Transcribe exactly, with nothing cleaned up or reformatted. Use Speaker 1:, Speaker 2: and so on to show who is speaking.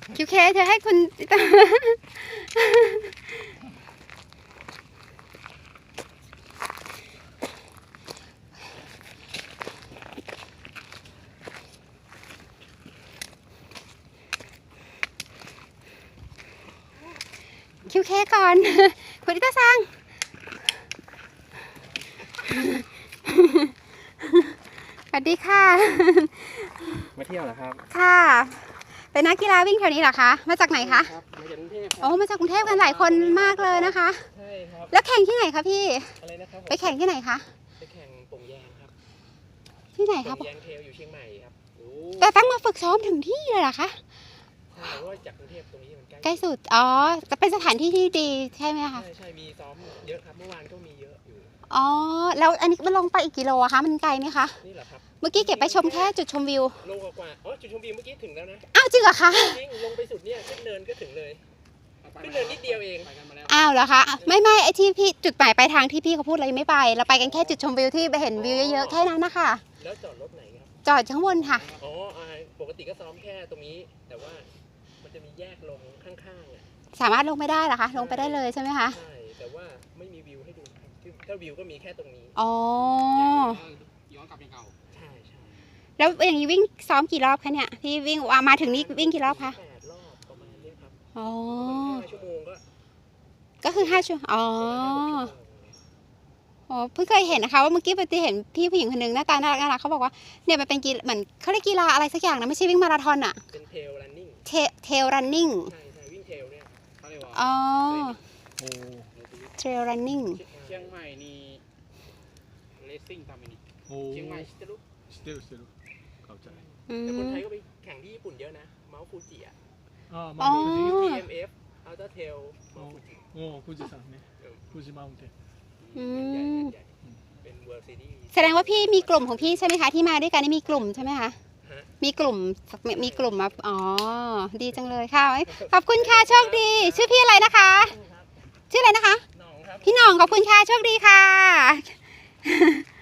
Speaker 1: คิวเคเธอให้คุณคิวเคก่อนคุณอิตาซังสวัสดีค่ะ
Speaker 2: มาเที่ยวเหรอครับ
Speaker 1: ค่ะเป็นนักกีฬาวิ่งแถวนี้เหรอคะมาจากไหนคะ
Speaker 2: ครับมาจากกรุงเทพ
Speaker 1: โอ้มาจากกรุงเทพกันหลายคนมากเลยนะคะ
Speaker 2: ใช่ครับ
Speaker 1: แล้วแข่งที่ไหนคะพี่
Speaker 2: อะไรนะครับ
Speaker 1: ไปแข่งที่ไหนคะ
Speaker 2: ไปแข่งป่งแยงครับ
Speaker 1: ที่ไหนครับ
Speaker 2: ป่งแยงเทลอยู่เชียงใหม่ครับ
Speaker 1: แต่ตั้งมาฝึกซ้อมถึงที่เลยเหรอคะ
Speaker 2: ใช่เพราะว่าจากกรุงเทพตรงนี้มันใกล้
Speaker 1: ใกล้สุดอ๋อจะเป็นสถานที่ที่ดีใช่ไหมคะ
Speaker 2: ใช่ใช่มีซ้อมเยอะครับเมื่อวานก็มีเยอะอยู่
Speaker 1: อ๋อแล้วอันนี้มันลงไปอีกกิโลอะคะมันไกลไหมคะ
Speaker 2: นี่เหรอครับ
Speaker 1: เมื่อกี้เก็บไปชมแค่จุดชมวิว
Speaker 2: ลงกว่าอ๋อจุดชมวิวเมื่อกี้ถึงแล้วนะ
Speaker 1: อ้าวจริงเหรอคะ
Speaker 2: จริงลงไปสุดเนี่ยขึ้นเนินก็ถึงเลยขึ้นเนินนิดเดียวเอง
Speaker 1: อ้าวเหรอคะไม่ไม่ไอที่พี่จุดหมายปลายทางที่พี่เขาพูดเรายังไม่ไปเราไปกันแค่จุดชมวิวที่ไปเห็นวิวเยอะๆแค่นั้นนะคะ
Speaker 2: แล้วจอดรถไหนครับ
Speaker 1: จอดข้างบนค่ะ
Speaker 2: อ๋อปกติก็ซ้อมแค่ตรงนี้แต่ว่ามันจะมีแยกลงข้างๆอ่ะ
Speaker 1: สามารถลงไม่ได้เหรอคะลงไปได้เลยใช่ไหมคะ
Speaker 2: ใช่แต่ว่าไม่มีวิวให้ดูถ้าวิวก็มีแค่ตรงนี้
Speaker 1: อ๋อ
Speaker 2: ย้อนกลับไปเก่าใช่ใช่
Speaker 1: แล้วอย่างนี้วิ่งซ้อมกี่รอบคะเนี่ยพี่วิ่งมาถึงนี่วิ่งกี่รอบคะ
Speaker 2: แปดรอบประมาณนี้ครับ
Speaker 1: อ๋อ
Speaker 2: ห้าชั่วโมงก็
Speaker 1: ก็คือห้าชั่วอ๋ออ๋อเพิ่งเคยเห็นนะคะว่าเมื่อกี้ไปเห็นพี่ผู้หญิงคนหนึ่งหน้าตาน่ารักน่ารักเขาบอกว่าเนี่ยมันเป็นกีฬาเหมือนเขาเรียกกีฬาอะไรสักอย่างนะไม่ใช่วิ่งมาราธอนอะ
Speaker 2: เป็นเทลรันนิ่ง
Speaker 1: เทลรันนิ่ง
Speaker 2: ใช่ใช่วิ่งเทลเนี่ยเขาเรียกว่า
Speaker 1: อ๋อ
Speaker 2: โอ้
Speaker 1: เทรลรันนิ่ง
Speaker 2: เชียงใหม่นี่เลสซิ่งทำอันนี้เชียงใหม่ชิตารุ
Speaker 3: 知ってる知ってるเข้าใจ
Speaker 2: แต่คนไทยก็ไปแข่งที่ญี่ปุ่นเยอะนะเมาส์ฟูจิอ่ะ
Speaker 3: อ๋อมาฟูจิ
Speaker 2: ที เอ็ม เอฟ อัลต้าเทลเมาส์ฟูจิ
Speaker 3: โอ้ฟูจิซังเนี่ยฟูจิมาอุเทน
Speaker 2: ใหญ่ใหญ่เป็นเวิร์ลซีรีส์
Speaker 1: แสดงว่าพี่มีกลุ่มของพี่ใช่ไหมคะที่มาด้วยกันนี่มีกลุ่มใช่ไหมคะมีกลุ่มมีกลุ่มมาอ๋อดีจังเลยค่ะขอบคุณค่ะโชคดีชื่อพี่อะไรนะคะชื่ออะไรนะคะพี่หน่องขอบคุณค่ะโชคดีค่ะ